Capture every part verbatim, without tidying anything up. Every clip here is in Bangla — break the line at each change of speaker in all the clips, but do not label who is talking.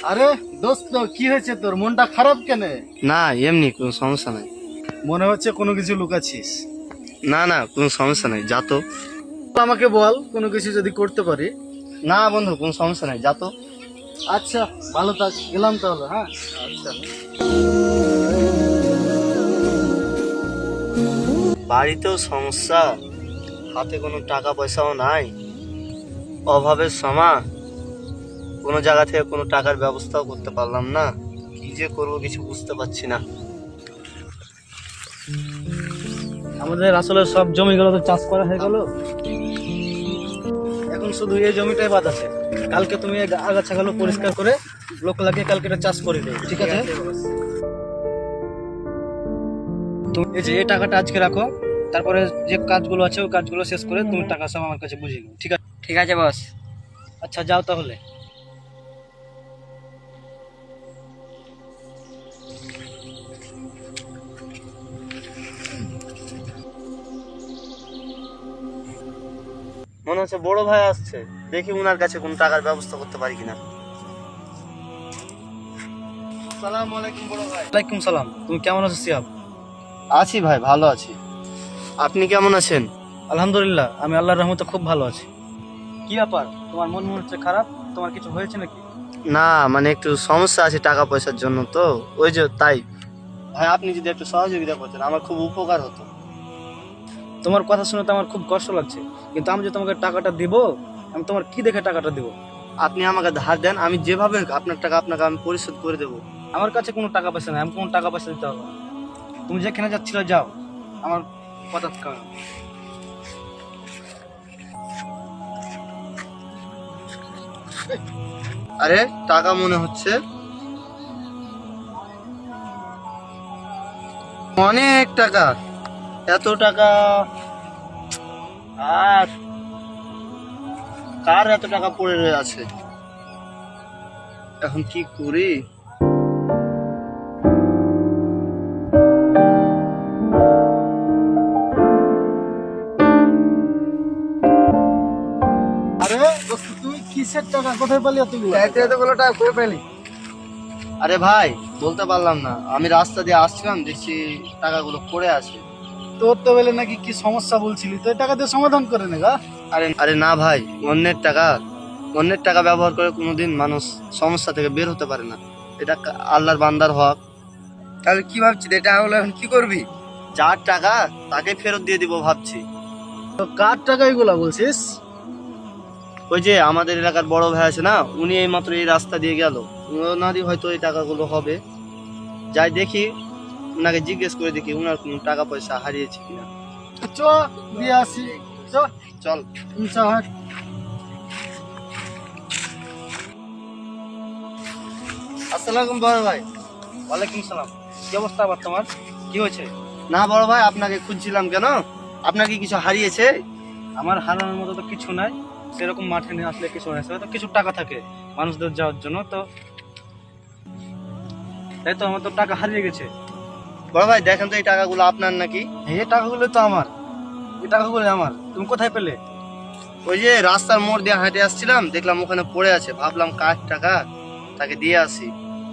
আরে দোস্ত, কি হয়েছে তোর? মনটা খারাপ কেন?
না এমনি কোনো সমস্যা নাই।
মনে হচ্ছে কোনো কিছু লুকাচ্ছিস।
না না কোনো সমস্যা নাই, যা তো।
আমাকে বল, কোনো কিছু যদি করতে পারি।
না বন্ধু কোনো সমস্যা নাই, যা তো।
আচ্ছা, ভালো থাক, গেলাম তাহলে। হ্যাঁ, আচ্ছা।
বাড়িতেও সমস্যা, হাতে কোনো টাকা পয়সাও নাই, অভাবের সময় কোনো জায়গা থেকে কোনো টাকার ব্যবস্থাও করতে পারলাম না। কি যে করবো কিছু বুঝতে পারছি না।
আমাদের আসলে সব জমিগুলো তো চাষ করা হয়ে গেল, এখন শুধু এই জমিটাই বাদ আছে। কালকে তুমি এই আগাছাগুলো পরিষ্কার করে লোক লাগিয়ে কালকে এটা চাষ করে দেবে, ঠিক আছে? তুমি এই যে এই টাকাটা আজকে রাখো, তারপরে যে কাজগুলো আছে ওই কাজগুলো শেষ করে তুমি টাকা সব আমার কাছে বুঝিয়ে নেবে, ঠিক আছে?
ঠিক আছে বস।
আচ্ছা, যাও তাহলে।
মনে হচ্ছে বড় ভাই আসছে, দেখি উনার কাছে কোনো টাকার ব্যবস্থা করতে পারি কিনা। সালাম আলাইকুম বড় ভাই।
ওয়ালাইকুম সালাম। তুমি কেমন আছো সিয়াব?
আছি ভাই, ভালো আছি। আপনি কেমন আছেন?
আলহামদুলিল্লাহ, আমি আল্লাহর রহমতে খুব ভালো আছি। কি ব্যাপার, তোমার মন মনে হচ্ছে খারাপ? তোমার কিছু হয়েছে নাকি?
না মানে একটু সমস্যা আছে টাকা পয়সার জন্য, তো ওই যে তাই। ভাই আপনি যদি একটু সহযোগিতা করতেন আমার খুব উপকার হতো।
তোমার কথা শুনে তো আমার খুব কষ্ট লাগছে, কিন্তু আমি যে তোমাকে টাকাটা দিব, আমি তোমার কি দেখে টাকাটা দিব?
আপনি আমাকে ধার দেন, আমি যেভাবে হোক আপনার টাকা আপনাকে আমি পরিশোধ করে দেবো।
আমার কাছে কোনো টাকা পয়সা নেই, আমি কোনো টাকা পয়সা দিতে হবে না। তুমি যেখানে যাচ্ছিলে যাও, আমার কথা কারণ।
আরে টাকা মনে হচ্ছে অনেক টাকা। এত টাকা আর কার এত টাকা পড়ে রয়ে আছে? এখন কি করি?
আরে দোস্ত, তুমি কিসের টাকা কোথায় পেলি এতগুলো?
এতগুলো টাকা কই পেলি?
আরে ভাই বলতে পারলাম না, আমি রাস্তা দিয়ে আসছিলাম, দেখছি টাকাগুলো পড়ে আছে।
তোর তো বলে নাকি কি সমস্যা বলছিলি, তো এই টাকা দিয়ে সমাধান করে নে গা।
আরে আরে না ভাই, অন্যের টাকা অন্যের টাকা ব্যবহার করে কোনোদিন মানুষ সমস্যা থেকে বের হতে পারে না। এটা কা- আল্লাহর বান্দার হক।
তাহলে কি ভাবছিস, এটা হলো এখন কি করবি?
যার টাকা তাকে ফেরত দিয়ে দিব ভাবছি।
তো কার টাকা এগুলা বলছিস?
ওই যে আমাদের এলাকার বড় ভাই আছে না, উনি এই মাত্র এই রাস্তা দিয়ে গেল, ওনারই হয়তো এই টাকাগুলো হবে। যাই দেখি, ওনাকে জিজ্ঞেস করে দেখি ওনার কোনো টাকা পয়সা হারিয়েছে কিনা।
চ, দিয়ে আসি। চ,
চল।
চ, হাট।
আসসালাম বড় ভাই।
ওয়ালাইকুম সালাম। কি অবস্থা আবার তোমার? কি হয়েছে?
না বড় ভাই, আপনাকে খুঁজছিলাম। কেন, আপনার কি কিছু হারিয়েছে?
আমার হারানোর মতো তো কিছু নাই, সেরকম মাঠে নিয়ে আসলে কিছু হয়েছে, তো কিছু টাকা থাকে মানুষদের যাওয়ার জন্য, তো তাই তো আমার তো টাকা হারিয়ে গেছে।
বড় ভাই দেখেন তো এই টাকাগুলো আপনার নাকি?
এই টাকাগুলো তো আমার, এই টাকাগুলো আমার। তুমি কোথায় পেলে?
ওই যে রাস্তার মোড় দিয়ে হাঁটে আসছিলাম, দেখলাম ওখানে পড়ে আছে, ভাবলাম কার টাকা, তাকে দিয়ে আসি।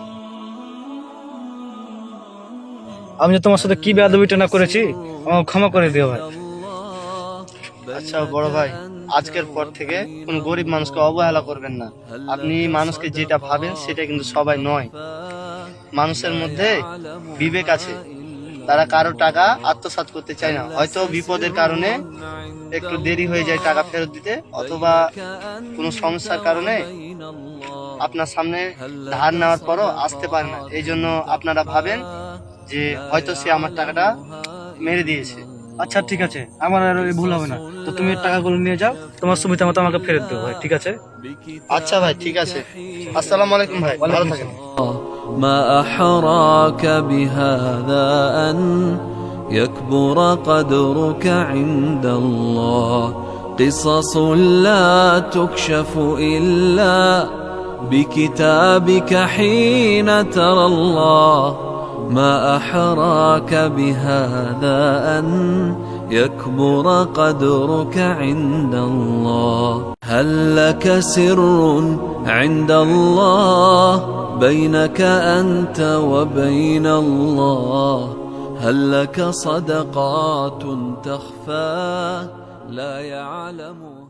আমি যে তোমার সাথে কি বেয়াদবিটা না করেছি, আমাকে ক্ষমা করে দিও ভাই।
আচ্ছা বড় ভাই, আজকের পর থেকে কোন গরিব মানুষকে অবহেলা করবেন না। আপনি মানুষকে যেটা ভাবেন সেটা কিন্তু সবাই নয়। মানুষের মধ্যে বিবেক আছে, তারা কারো টাকা আত্মসাৎ করতে চায় না। হয়তো বিপদের কারণে একটু দেরি হয়ে যায় টাকা ফেরত দিতে, অথবা কোনো সমস্যার কারণে আপনার সামনে ধার নেওয়ার পরও আসতে পারে না। এই জন্য আপনারা ভাবেন যে হয়তো সে আমার টাকাটা মেরে দিয়েছে।
আচ্ছা ঠিক আছে, আমার আর এই ভুল হবে না। তো তুমি এই টাকাগুলো নিয়ে যাও, তোমার সুবিধা মতো আমাকে ফেরত দেবো ভাই, ঠিক আছে?
আচ্ছা ভাই, ঠিক আছে। আসসালামু আলাইকুম ভাই, ভালো থাকেন।
ما أحراك بهذا أن يكبر قدرك عند الله قصص لا تكشف إلا بكتابك حين ترى الله ما أحراك بهذا أن يكبر قدرك عند الله هل لك سر عند الله بينك أنت وبين الله هل لك صدقات تخفى لا يعلم